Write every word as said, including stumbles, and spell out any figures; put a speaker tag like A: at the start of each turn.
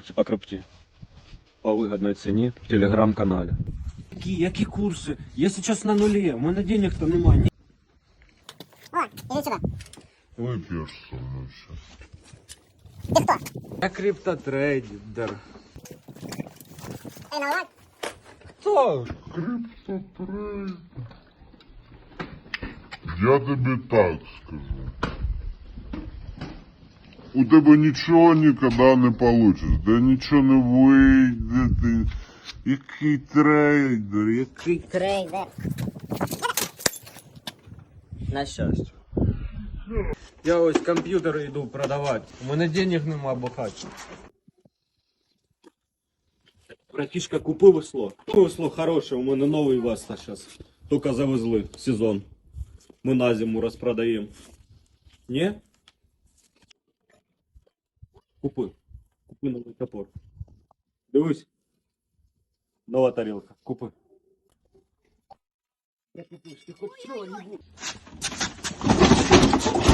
A: курсы по крипте. По выгодной цене в телеграм-канале. Какие, які курси? Я сейчас на нуле, у мене денег-то немає.
B: О, иди сюда.
C: Выпьешь со мной сейчас.
B: Ты кто?
A: Я криптотрейдер.
B: Эй, налаг.
A: Кто?
C: Криптотрейд. Я тобі так скажу. У тебе нічого ніколи не вийде, де нічого не вийде. Ти... Який трейдер, який...
B: Трейдер.
A: На щастя. Я ось комп'ютери йду продавати. У мене денег нема бухати. Братишка, купи весло. Купи весло хороше, у мене новий весло зараз. Тільки завезли сезон. Ми на зиму розпродаємо. Ні? Купи. Купи новий топор. Дивись. Нова тарілка. Купи. Я купив, ти хоч чого не буду.